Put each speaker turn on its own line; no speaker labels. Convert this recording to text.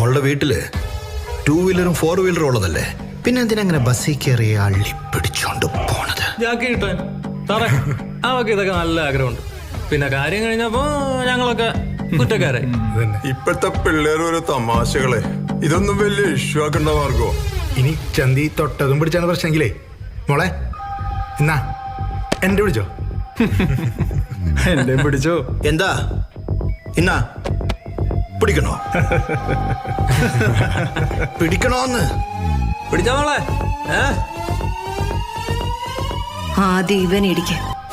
മോളുടെ വീട്ടില് 2 വീലറും 4 വീലറും ഉള്ളതല്ലേ, പിന്നെ എന്തിനങ്ങനെ ബസ്സിൽ കയറി അള്ളി പിടിച്ചോണ്ട് പോണത്?
ജാക്കി കിട്ടാൻ സാറേ, അവക്ക് ഇതൊക്കെ നല്ല ആഗ്രഹമുണ്ട്. പിന്നെ കാര്യം കഴിഞ്ഞപ്പോ ഞങ്ങളൊക്കെ കുറ്റക്കാരായി.
ഇപ്പോഴത്തെ പിള്ളേർ തമാശകളെ ഇതൊന്നും വലിയ ഇഷ്യൂ ആക്കണ്ട മാർഗോ.
ഇനി ചന്തി തൊട്ടതും പിടിച്ചാണ് പ്രശ്നമെങ്കിലേ മോളെ എന്നാ എന്റെ പിടിച്ചോ.
എന്റെ പിടിച്ചോ.
എന്താ ഇന്നാ പിടിക്കണോ? പിടിക്കണോന്ന്
പിടിച്ചാ മോളെ.
ആദ്യം ഇവൻ ഇടിക്കും.